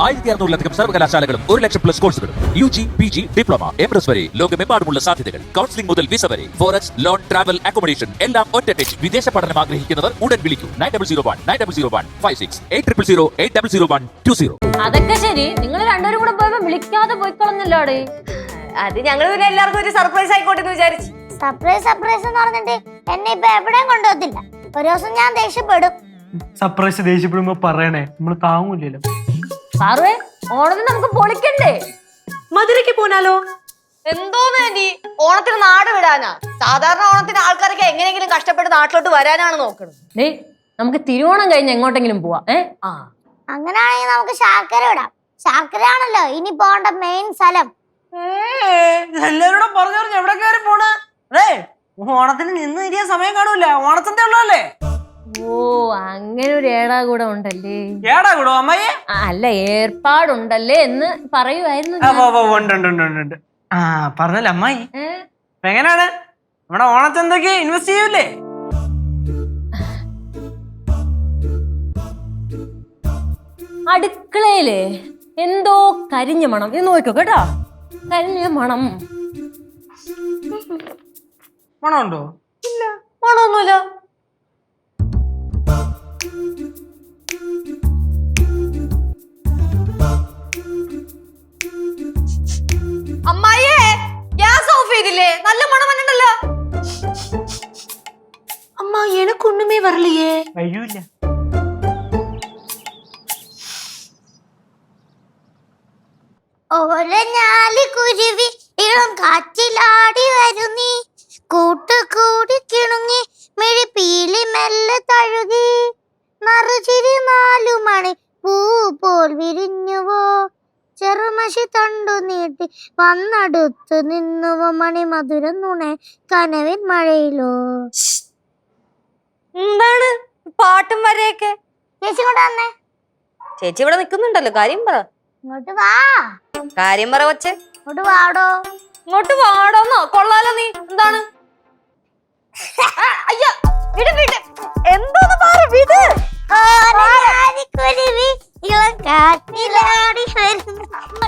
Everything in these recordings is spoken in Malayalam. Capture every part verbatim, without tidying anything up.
ആയിരത്തി അറുന്നൂറിലധികം സർവകലാശാലകളും ഒരു ലക്ഷം പ്ലസ് കോഴ്സുകളും U G P G diploma M S വരെ ലോകമെമ്പാടുമുള്ള സാധ്യതകൾ. കൗൺസിലിംഗ് മുതൽ വിസ വരെ ഫോറക്സ് ലോൺ ട്രാവൽ അക്കോമഡേഷൻ എല്ലാം ഒറ്റ ടെച്ച്. വിദേശ പഠനം ആഗ്രഹിക്കുന്നവർ ഉടൻ വിളിക്കൂ nine double zero one nine double zero one five six eight triple zero eight double zero one two zero. അതൊക്കെ ശരി, നിങ്ങൾ രണ്ടുപേരും കൂടെ പോയപ്പോ വിളിക്കാതെ പോയിക്കളഞ്ഞല്ലോടെ. അത് ഞങ്ങൾ പിന്നെ എല്ലാവർക്കും ഒരു സർപ്രൈസ് ആയിക്കോട്ടെ എന്ന് വിചാരിച്ചു. സർപ്രൈസ് സർപ്രൈസ് എന്ന് പറഞ്ഞിട്ട് എന്നെ ഇപ്പൊ എവിടെയും കൊണ്ടുപോകത്തില്ല. ഒരു ദിവസം ഞാൻ ദേഷ്യപ്പെടും. സർപ്രൈസ് ദേഷ്യപ്പെടുമ്പോ പറയണേ, നമ്മള് താങ്ങൂലല്ലോ. സാറേ, ഓണത്തിന് നമുക്ക് പൊളിക്കണ്ടേ? മധുരയ്ക്ക് പോനാലോ? എന്തോന്ന് ഓണത്തിന് നാട് വിടാനാ? സാധാരണ ഓണത്തിന് ആൾക്കാരൊക്കെ എങ്ങനെയെങ്കിലും കഷ്ടപ്പെട്ട് നാട്ടിലോട്ട് വരാനാണ് നോക്കുന്നത്. ഡേ, നമുക്ക് തിരുവോണം കഴിഞ്ഞ് എങ്ങോട്ടെങ്കിലും പോവാ. ഏ ആ അങ്ങനാണെങ്കിൽ നമുക്ക് ശാർക്കര വിടാം. ശാർക്കര ആണല്ലോ ഇനി പോകേണ്ട മെയിൻ സ്ഥലം. എല്ലാരോടും പറഞ്ഞു പറഞ്ഞു എവിടെ കയറി പോണ്? അതെ, ഓണത്തിന് നിന്ന് തിരിയാൻ സമയം കാണൂല. ഓണത്തിന്റെ ഉള്ളതല്ലേ? ഓ, അങ്ങനെ ഒരു ഏടാ കൂടെ ഉണ്ടല്ലേ? ഏടാ കൂടോ അമ്മയെ? അല്ല, ഏർപ്പാടുണ്ടല്ലേ എന്ന് പറയുമായിരുന്നു. ആ പറഞ്ഞല്ലേ അമ്മായി. എങ്ങനെയാണ് നമ്മുടെ ഓണച്ചന്തക്ക് ഇൻവെസ്റ്റ് ചെയ്യൂലേ? അടുക്കളയില് എന്തോ കരിഞ്ഞ മണം. ഇത് നോക്കോ കേട്ടോ, കരിഞ്ഞ മണം. മണമുണ്ടോ? ഇല്ല, മണമൊന്നുമില്ല. അമ്മായിയെ, ഗ്യാസ് ഓഫ് ചെയ്തില്ലേ? നല്ല മണം വന്നിട്ടല്ലോ. അമ്മ, എനക്കൊന്നുമേ വരலையே. കഴിയൂല. ഓരഞ്ഞാലി കുരുവി ഇളം കാറ്റിലാടി വരുന്നീ, കൂട്ടുകൂടി കിണുങ്ങി മിഴിപ്പീലി മെല്ലെ തഴുകി, നറുചിരി നാലു മണി പൂ പോൽ വിരിഞ്ഞുവോ, ചെറുമഷി തണ്ടു നീട്ടി വന്നടുത്തു നിന്നുവോ, മണി മധുരം നുണെ കനവിൻ മഴയിലോ. എന്താണ് പാട്ടും വരെയൊക്കെ? ചേച്ചി ഇങ്ങോട്ട് വന്നേ. ചേച്ചി ഇവിടെ നിക്കുന്നുണ്ടല്ലോ, കാര്യം പറ. ഇങ്ങോട്ട് വാ. കാര്യം പറ കൊച്ചേ. ഇങ്ങോട്ട് വാടോ. ഇങ്ങോട്ട് വാടോന്നോ? കൊള്ളാലോ നീ. എന്താണ്? അയ്യ, വിട് വിട്. എന്തോന്ന് പറ, വിട്. ഓരഞ്ഞാലി കുരുവി ഇളം കാറ്റിലാടി വരുന്നു.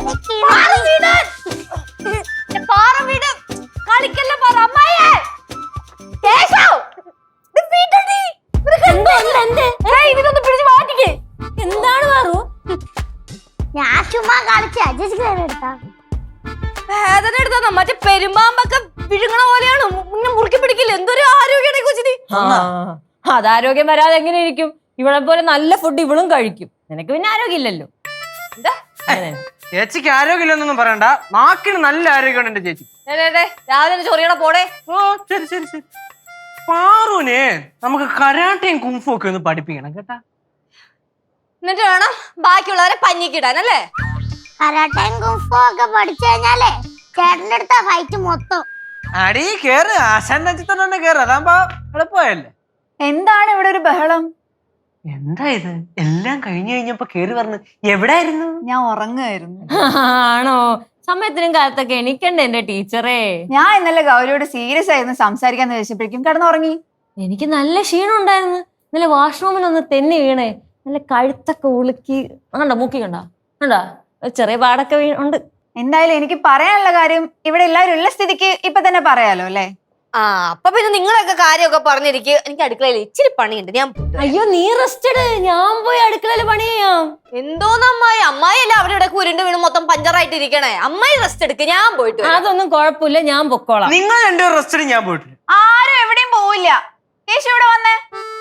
പാറ വിട്. കളിക്കല്ല പറ. അമ്മായിയെ, കേശവ്, ഇത് വിടടി. ഇതിനൊന്ന് പിടിച്ച് മാറ്റിക്കേ. എന്താണ് മാറു? ഞാൻ ചുമ്മാ കളിച്ച ചേച്ചിക്ക് നേരെ എടുത്താ വേദന എടുത്താ മറ്റേ പെരുമ്പാമ്പൊക്കെ വിഴുങ്ങണ പോലെയാണ്. മുന്നേ മുറുക്കി പിടിക്കില്ല. എന്തൊരു ആരോഗ്യമാണ് ഈ കൊച്ചിന്. അതാരോഗ്യം വരാതെ എങ്ങനെ ഇരിക്കും? ഇവളെ പോലെ നല്ല ഫുഡ് ഇവളും കഴിക്കും. നിനക്ക് പിന്നെ ആരോഗ്യം ഇല്ലല്ലോ. ചേച്ചിക്ക് ആരോഗ്യമില്ലെന്നൊന്നും പറയണ്ട, നാക്കിന് നല്ല ആരോഗ്യമുണ്ട് എന്റെ ചേച്ചി. രാവിലെ ചൊറിയണ പോടെ. ഓ ശരി ശരി ശരി. പാറുവിനെ നമുക്ക് കരാട്ടയും കുംഫും ഒക്കെ ഒന്ന് പഠിപ്പിക്കണം കേട്ടാ. എന്നിട്ട് വേണം ബാക്കിയുള്ളവരെ പഞ്ഞിക്കിടാനല്ലേ? കരാട്ടയും കുംഫും ഒക്കെ പഠിച്ചു കഴിഞ്ഞാലേ ചേട്ടന്റെ അടുത്ത ഫൈറ്റ് മൊത്തം. അടി കേറ്, ആശാന്റെ അച്ഛൻ തന്നെ കേറ്, അതാകുമ്പോ എളുപ്പമായല്ലേ. എന്താണ് ഇവിടെ ഒരു ബഹളം? എന്താ ഇത്? എല്ലാം കഴിഞ്ഞു കഴിഞ്ഞപ്പോ കേറി പറഞ്ഞു എവിടായിരുന്നു? ഞാൻ ഉറങ്ങുമായിരുന്നു. ആണോ? സമയത്തിനും കാലത്തൊക്കെ എണീക്കണ്ടേ എന്റെ ടീച്ചറേ? ഞാൻ ഇന്നലെ ഗൗരിയോട് സീരിയസ് ആയിരുന്നു സംസാരിക്കാന്ന് വെച്ചപ്പോഴേക്കും കിടന്നുറങ്ങി. എനിക്ക് നല്ല ക്ഷീണം ഉണ്ടായിരുന്നു. ഇന്നലെ വാഷ്റൂമിൽ ഒന്ന് തെന്നി വീണേ, നല്ല കഴുത്തൊക്കെ ഉളുക്കി. കണ്ടോ, മൂക്കി കണ്ടോ കണ്ടോ, ചെറിയ പാടൊക്കെ ഉണ്ട്. എന്തായാലും എനിക്ക് പറയാനുള്ള കാര്യം ഇവിടെ എല്ലാവരും ഉള്ള സ്ഥിതിക്ക് ഇപ്പൊ തന്നെ പറയാലോ അല്ലേ? ആ, അപ്പൊ പിന്നെ നിങ്ങളൊക്കെ കാര്യമൊക്കെ പറഞ്ഞിരിക്കും. എനിക്ക് അടുക്കളയിൽ ഇച്ചിരി പണിയുണ്ട്, ഞാൻ. അയ്യോ, നീ റെസ്റ്റ് എടു, ഞാൻ പോയി അടുക്കളയിൽ പണി ചെയ്യാം. എന്തോന്ന് അമ്മായി? അമ്മായി അല്ല അവിടെ ഇവിടെ ഉരുണ്ട് വീണ് മൊത്തം പഞ്ചറായിട്ട് ഇരിക്കണേ. അമ്മായി റെസ്റ്റ് എടുക്ക്, ഞാൻ പോയിട്ട്. അതൊന്നും കുഴപ്പമില്ല, ഞാൻ പൊക്കോളാം. നിങ്ങൾ രണ്ടു റെസ്റ്റ്, ഞാൻ പോയിട്ട്. ആരും എവിടെയും പോവില്ല. കേശു ഇവിടെ വന്നേ.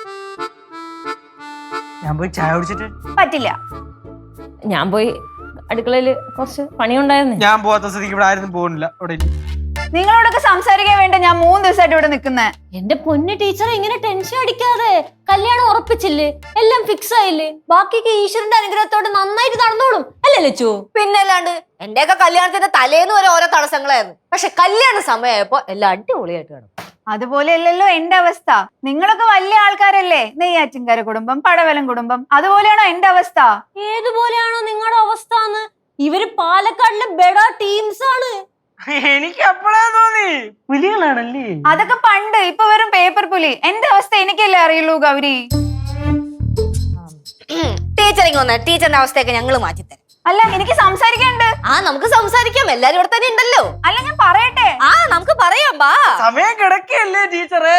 ഞാൻ പോയി ചായ കുടിച്ചിട്ട്. പറ്റില്ല. ഞാൻ പോയി അടുക്കളയിൽ കുറച്ച് പണിയുണ്ടായിരുന്നു. ഞാൻ പോവാത്ത സ്ഥിതിക്ക് ഇവിടെ ആരും പോകുന്നില്ല. അവിടെ നിങ്ങളോടൊക്കെ സംസാരിക്കാൻ വേണ്ട ഞാൻ മൂന്ന് ദിവസമായിട്ട് ഇവിടെ നിൽക്കുന്നേ. എന്റെ പൊന്നു ടീച്ചർ, ഇങ്ങനെ ടെൻഷൻ അടിക്കാതെ. കല്യാണം ഉറപ്പിച്ചില്ലേ, എല്ലാം ഫിക്സ് ആയില്ലേ, ബാക്കിയൊക്കെ ഈശ്വരന്റെ അനുഗ്രഹത്തോടെ നന്നായിട്ട് നടന്നോളും അല്ലേ ലച്ചു? പിന്നല്ലാണ്ട് എന്റെയൊക്കെ കല്യാണത്തിന്റെ തലേന്ന് വരെ ഓരോ തടസ്സങ്ങളായിരുന്നു. പക്ഷെ കല്യാണ സമയമായപ്പോ എല്ലാം അടിപൊളിയായിട്ട് കാണും. അതുപോലെയല്ലല്ലോ എന്റെ അവസ്ഥ. നിങ്ങളൊക്കെ വലിയ ആൾക്കാരല്ലേ, നെയ്യാറ്റിൻകര കുടുംബം, പടവലം കുടുംബം. അതുപോലെയാണോ എന്റെ അവസ്ഥ? ഏതുപോലെയാണോ നിങ്ങളുടെ അവസ്ഥ? ഇവര് പാലക്കാടിലെ ബെഡാ ടീംസ് ആണ്. എനിക്ക് അപ്പോഴാ തോന്നി പുലികളാണല്ലേ. അതൊക്കെ പണ്ട്, ഇപ്പൊ വെറും പേപ്പർ പുലി. എന്റെ അവസ്ഥ എനിക്കല്ലേ അറിയുള്ളൂ ഗൗരി. ടീച്ചറിങ് വന്ന ടീച്ചറിന്റെ അവസ്ഥയൊക്കെ ഞങ്ങൾ മാറ്റിത്തരാം. അല്ല എനിക്ക് സംസാരിക്കാനുണ്ട്. ആ നമുക്ക് സംസാരിക്കാം, എല്ലാരും ഇവിടെ തന്നെ ഉണ്ടല്ലോ. അല്ല ഞാൻ പറയട്ടെ. ആ നമുക്ക് പറയാം, ബാ. സമയം കിടക്കല്ലേ ടീച്ചറേ.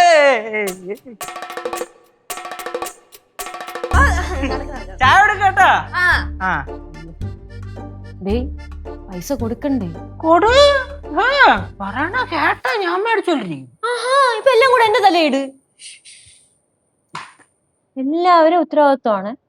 ചായ എടുക്കട്ടാ. ആ ആ ഡേയ് പൈസ കൊടുക്കണ്ടേ? കൊടു. പറയണ കേട്ടാ ഞാൻ മേടിച്ചോണ്ടിരിക്കും. ആഹാ ഇപ്പൊ എല്ലാം കൂടെ എന്റെ തലയിട്. എല്ലാവരും ഉത്തരവാദിത്വമാണ്.